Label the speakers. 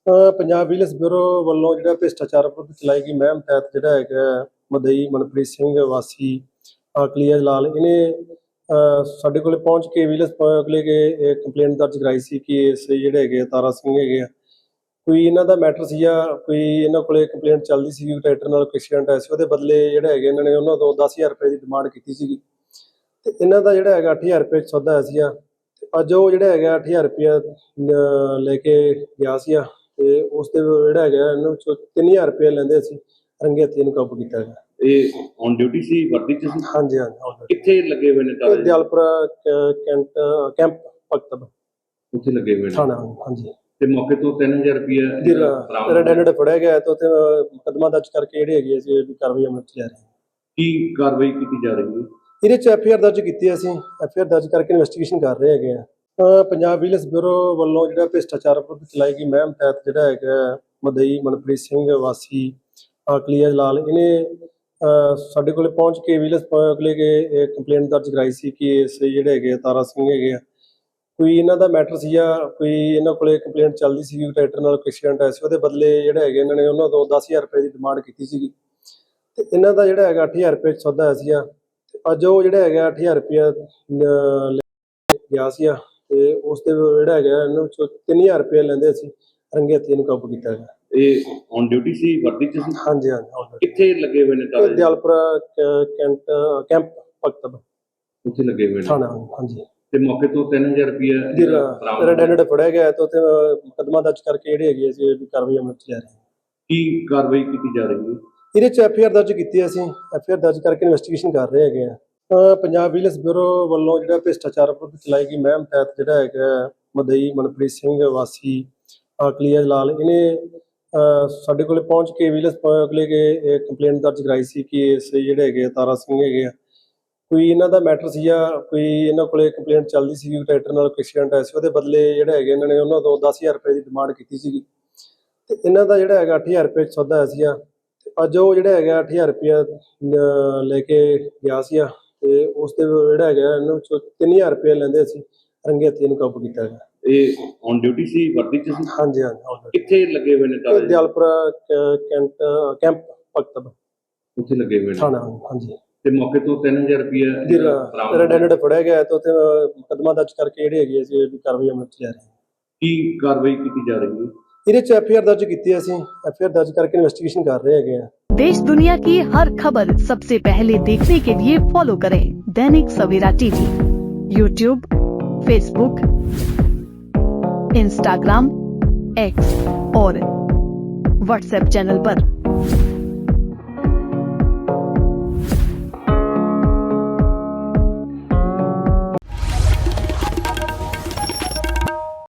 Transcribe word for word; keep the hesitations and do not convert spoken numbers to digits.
Speaker 1: ਅ, Punjab vigilance bureau ਵੱਲੋਂ ਜਿਹੜਾ ਭ੍ਰਿਸ਼ਟਾਚਾਰ ਵਿਰੁੱਧ ਚਲਾਈ ਗਈ ਮੁਹਿੰਮ ਤਹਿਤ ਜਿਹੜਾ ਹੈਗਾ ਮਦਈ ਮਨਪ੍ਰੀਤ ਸਿੰਘ ਵਾਸੀ ਆਕਲੀਆ ਜਲਾਲ ਇਹਨੇ ਅ, ਸਾਡੇ ਕੋਲੇ ਪਹੁੰਚ ਕੇ ਵਿਜੀਲੈਂਸ ਕੋਲੇ ਕੇ ਕੰਪਲੇਂਟ ਦਰਜ ਕਰਾਈ ਸੀ ਕਿ ਇਸ ਜਿਹੜੇ ਹੈਗੇ ਆ ਤਾਰਾ ਸਿੰਘ ਹੈਗੇ ਆ ਕੋਈ ਇਹਨਾਂ ਦਾ ਮੈਟਰ ਸੀਗਾ, ਕੋਈ ਇਹਨਾਂ ਕੋਲੇ ਕੰਪਲੇਂਟ ਚੱਲਦੀ ਸੀ ਕਿ ਟਰੈਕਟਰ ਨਾਲ ਕੋਈ ਐਕਸੀਡੈਂਟ ਹੋਇਆ ਸੀ, ਉਹਦੇ ਬਦਲੇ ਜਿਹੜਾ ਹੈਗੇ ਇਹਨਾਂ ਨੇ ਉਹਨਾਂ ਤੋਂ ਦਸ ਹਜ਼ਾਰ ਰੁਪਏ ਦੀ ਡਿਮਾਂਡ ਕੀਤੀ ਸੀਗੀ ਤੇ ਇਹਨਾਂ ਦਾ ਜਿਹੜਾ ਹੈਗਾ ਅੱਠ ਹਜ਼ਾਰ ਰੁਪਏ 'ਚ ਸੌਦਾ ਹੋਇਆ ਸੀਗਾ ਤੇ ਅੱਜ ਉਹ ਜਿਹੜਾ ਹੈਗਾ ਅੱਠ ਹਜ਼ਾਰ ਰੁਪਇਆ ਅ, ਲੈ ਕੇ ਗਿਆ ਸੀਗਾ ਤੇ ਉਸ ਦੇ ਜਿਹੜਾ ਹੈਗਾ ਇਹਨੂੰ ਚੋਂ ਤਿੰਨ ਹਜ਼ਾਰ ਰੁਪਏ ਲੈਂਦੇ ਸੀ ਰੰਗੇ ਹੱਥੀਂ ਇਹਨੂੰ ਕਾਬੂ ਕੀਤਾ ਗਿਆ।
Speaker 2: ਇਹ ਔਨ ਡਿਊਟੀ ਸੀ, ਵਰਦੀ ਚ ਸੀ?
Speaker 1: ਹਾਂਜੀ ਹਾਂਜੀ ਹਾਂਜੀ।
Speaker 2: ਕਿੱਥੇ ਲੱਗੇ ਹੋਏ ਨੇ
Speaker 1: ਇਹ
Speaker 2: ਤਾਲੇ?
Speaker 1: ਦਿਆਲਪੁਰਾ ਕੈਂਟ ਕੈਂਪ ਪਕਤਬ
Speaker 2: ਉੱਥੇ ਲੱਗੇ ਹੋਏ ਨੇ
Speaker 1: ਥਾਣਾ। ਹਾਂਜੀ
Speaker 2: ਤੇ ਮੌਕੇ ਤੋਂ ਤਿੰਨ ਹਜ਼ਾਰ ਰੁਪਇਆ
Speaker 1: ਰੈਡ ਹੈਂਡਡ ਫੜਿਆ ਗਿਆ ਤੇ ਉੱਥੇ ਮੁਕੱਦਮਾ ਦਰਜ ਕਰਕੇ ਜਿਹੜੇ ਹੈਗੇ ਅਸੀਂ ਇਹਦੀ ਕਾਰਵਾਈ ਅਮਲ 'ਚ ਲਿਆ ਰਹੇ ਹਾਂ।
Speaker 2: ਕੀ ਕਾਰਵਾਈ ਕੀਤੀ ਜਾ ਰਹੀ ਹੈ?
Speaker 1: ਇਹਦੇ 'ਚ ਐਫ ਆਈ ਆਰ ਦਰਜ ਕੀਤੀ ਅਸੀਂ ਐਫ ਆਈ ਆਰ ਦਰਜ ਕਰਕੇ ਇਨਵੈਸਟੀਗੇਸ਼ਨ ਕਰ ਰਹੇ ਹੈਗੇ ਆ। ਅ, ਪੰਜਾਬ ਵਿਜੀਲੈਂਸ ਬਿਊਰੋ ਵੱਲੋਂ ਜਿਹੜਾ ਭ੍ਰਿਸ਼ਟਾਚਾਰ ਵਿਰੁੱਧ ਚਲਾਈ ਗਈ ਮੁਹਿੰਮ ਤਹਿਤ ਜਿਹੜਾ ਹੈਗਾ ਮਦਈ ਮਨਪ੍ਰੀਤ ਸਿੰਘ ਵਾਸੀ ਆਕਲੀਆ ਜਲਾਲ ਇਹਨੇ ਅ, ਸਾਡੇ ਕੋਲੇ ਪਹੁੰਚ ਕੇ ਵਿਜੀਲੈਂਸ ਕੋਲੇ ਕੇ ਕੰਪਲੇਂਟ ਦਰਜ ਕਰਾਈ ਸੀ ਕਿ ਇਸ ਜਿਹੜੇ ਹੈਗੇ ਆ ਤਾਰਾ ਸਿੰਘ ਹੈਗੇ ਆ ਕੋਈ ਇਹਨਾਂ ਦਾ ਮੈਟਰ ਸੀਗਾ, ਕੋਈ ਇਹਨਾਂ ਕੋਲੇ ਕੰਪਲੇਂਟ ਚੱਲਦੀ ਸੀ ਕਿ ਟਰੈਕਟਰ ਨਾਲ ਕੋਈ ਐਕਸੀਡੈਂਟ ਹੋਇਆ ਸੀ, ਉਹਦੇ ਬਦਲੇ ਜਿਹੜੇ ਹੈਗੇ ਇਹਨਾਂ ਨੇ ਉਹਨਾਂ ਤੋਂ ਦਸ ਹਜ਼ਾਰ ਰੁਪਏ ਦੀ ਡਿਮਾਂਡ ਕੀਤੀ ਸੀਗੀ ਤੇ ਇਹਨਾਂ ਦਾ ਜਿਹੜਾ ਹੈਗਾ ਅੱਠ ਹਜ਼ਾਰ ਰੁਪਏ 'ਚ ਸੌਦਾ ਹੋਇਆ ਸੀਗਾ ਤੇ ਅੱਜ ਉਹ ਜਿਹੜਾ ਹੈਗਾ ਅੱਠ ਹਜ਼ਾਰ ਰੁਪਇਆ ਅ, ਲੈ ਕੇ ਗਿਆ ਸੀਗਾ ਤੇ ਉਸ ਦੇ ਜਿਹੜਾ ਹੈਗਾ ਇਹਨੂੰ ਚੋਂ ਤਿੰਨ ਹਜ਼ਾਰ ਰੁਪਏ ਲੈਂਦੇ ਸੀ ਰੰਗੇ ਹੱਥੀਂ ਇਹਨੂੰ ਕਾਬੂ ਕੀਤਾ ਗਿਆ।
Speaker 2: ਇਹ ਔਨ ਡਿਊਟੀ ਸੀ, ਵਰਦੀ ਚ ਸੀ?
Speaker 1: ਹਾਂਜੀ ਹਾਂਜੀ ਹਾਂਜੀ।
Speaker 2: ਕਿੱਥੇ ਲੱਗੇ ਹੋਏ ਨੇ
Speaker 1: ਇਹ
Speaker 2: ਤਾਲੇ?
Speaker 1: ਦਿਆਲਪੁਰਾ ਕੈਂਟ ਕੈਂਪ ਪਕਤਬ
Speaker 2: ਉੱਥੇ ਲੱਗੇ ਹੋਏ ਨੇ
Speaker 1: ਥਾਣਾ। ਹਾਂਜੀ
Speaker 2: ਤੇ ਮੌਕੇ ਤੋਂ ਤਿੰਨ ਹਜ਼ਾਰ ਰੁਪਇਆ
Speaker 1: ਰੈਡ ਹੈਂਡਡ ਫੜਿਆ ਗਿਆ ਤੇ ਉੱਥੇ ਮੁਕੱਦਮਾ ਦਰਜ ਕਰਕੇ ਜਿਹੜੇ ਹੈਗੇ ਅਸੀਂ ਇਹਦੀ ਕਾਰਵਾਈ ਅਮਲ 'ਚ ਲਿਆ ਰਹੇ ਹਾਂ।
Speaker 2: ਕੀ ਕਾਰਵਾਈ ਕੀਤੀ ਜਾ ਰਹੀ ਹੈ?
Speaker 1: ਇਹਦੇ 'ਚ ਐਫ ਆਈ ਆਰ ਦਰਜ ਕੀਤੀ ਅਸੀਂ ਐਫ ਆਈ ਆਰ ਦਰਜ ਕਰਕੇ ਇਨਵੈਸਟੀਗੇਸ਼ਨ ਕਰ ਰਹੇ ਹੈਗੇ ਆ। ਅ, ਪੰਜਾਬ ਵਿਜੀਲੈਂਸ ਬਿਊਰੋ ਵੱਲੋਂ ਜਿਹੜਾ ਭ੍ਰਿਸ਼ਟਾਚਾਰ ਵਿਰੁੱਧ ਚਲਾਈ ਗਈ ਮੁਹਿੰਮ ਤਹਿਤ ਜਿਹੜਾ ਹੈਗਾ ਮਦਈ ਮਨਪ੍ਰੀਤ ਸਿੰਘ ਵਾਸੀ ਆਕਲੀਆ ਜਲਾਲ ਇਹਨੇ ਅ, ਸਾਡੇ ਕੋਲੇ ਪਹੁੰਚ ਕੇ ਵਿਜੀਲੈਂਸ ਕੋਲੇ ਕੇ ਕੰਪਲੇਂਟ ਦਰਜ ਕਰਾਈ ਸੀ ਕਿ ਇਸ ਜਿਹੜੇ ਹੈਗੇ ਆ ਤਾਰਾ ਸਿੰਘ ਹੈਗੇ ਆ ਕੋਈ ਇਹਨਾਂ ਦਾ ਮੈਟਰ ਸੀਗਾ, ਕੋਈ ਇਹਨਾਂ ਕੋਲੇ ਕੰਪਲੇਂਟ ਚੱਲਦੀ ਸੀ ਕਿ ਟਰੈਕਟਰ ਨਾਲ ਕੋਈ ਐਕਸੀਡੈਂਟ ਹੋਇਆ ਸੀ, ਉਹਦੇ ਬਦਲੇ ਜਿਹੜੇ ਹੈਗੇ ਇਹਨਾਂ ਨੇ ਉਹਨਾਂ ਤੋਂ ਦਸ ਹਜ਼ਾਰ ਰੁਪਏ ਦੀ ਡਿਮਾਂਡ ਕੀਤੀ ਸੀਗੀ ਤੇ ਇਹਨਾਂ ਦਾ ਜਿਹੜਾ ਹੈਗਾ ਅੱਠ ਹਜ਼ਾਰ ਰੁਪਏ 'ਚ ਸੌਦਾ ਹੋਇਆ ਸੀਗਾ ਤੇ ਅੱਜ ਉਹ ਜਿਹੜਾ ਹੈਗਾ ਅੱਠ ਹਜ਼ਾਰ ਰੁਪਇਆ ਅ, ਲੈ ਕੇ ਗਿਆ ਸੀਗਾ ਤੇ ਉਸ ਦੇ ਜਿਹੜਾ ਹੈਗਾ ਇਹਨੂੰ ਚੋਂ ਤਿੰਨ ਹਜ਼ਾਰ ਰੁਪਏ ਲੈਂਦੇ ਸੀ ਰੰਗੇ ਹੱਥੀਂ ਇਹਨੂੰ ਕਾਬੂ ਕੀਤਾ ਗਿਆ।
Speaker 2: ਇਹ ਔਨ ਡਿਊਟੀ ਸੀ, ਵਰਦੀ ਚ ਸੀ?
Speaker 1: ਹਾਂਜੀ ਹਾਂਜੀ ਹਾਂਜੀ।
Speaker 2: ਕਿੱਥੇ ਲੱਗੇ ਹੋਏ ਨੇ
Speaker 1: ਇਹ
Speaker 2: ਤਾਲੇ?
Speaker 1: ਦਿਆਲਪੁਰਾ ਕੈਂਟ ਕੈਂਪ ਪਕਤਬ
Speaker 2: ਉੱਥੇ ਲੱਗੇ ਹੋਏ ਨੇ
Speaker 1: ਥਾਣਾ। ਹਾਂਜੀ
Speaker 2: ਤੇ ਮੌਕੇ ਤੋਂ ਤਿੰਨ ਹਜ਼ਾਰ ਰੁਪਇਆ
Speaker 1: ਰੈਡ ਹੈਂਡਡ ਫੜਿਆ ਗਿਆ ਤੇ ਉੱਥੇ ਮੁਕੱਦਮਾ ਦਰਜ ਕਰਕੇ ਜਿਹੜੇ ਹੈਗੇ ਅਸੀਂ ਇਹਦੀ ਕਾਰਵਾਈ ਅਮਲ 'ਚ ਲਿਆ ਰਹੇ ਹਾਂ।
Speaker 2: ਕੀ ਕਾਰਵਾਈ ਕੀਤੀ ਜਾ ਰਹੀ ਹੈ?
Speaker 1: ਇਹਦੇ 'ਚ ਐਫ ਆਈ ਆਰ ਦਰਜ ਕੀਤੀ ਅਸੀਂ ਐਫ ਆਈ ਆਰ ਦਰਜ ਕਰਕੇ ਇਨਵੈਸਟੀਗੇਸ਼ਨ ਕਰ ਰਹੇ ਹੈਗੇ ਆ।
Speaker 3: देश दुनिया की हर खबर सबसे पहले देखने के लिए फॉलो करें Dainik Savera TV, YouTube, Facebook, Instagram, X और व्हाट्सएप चैनल पर।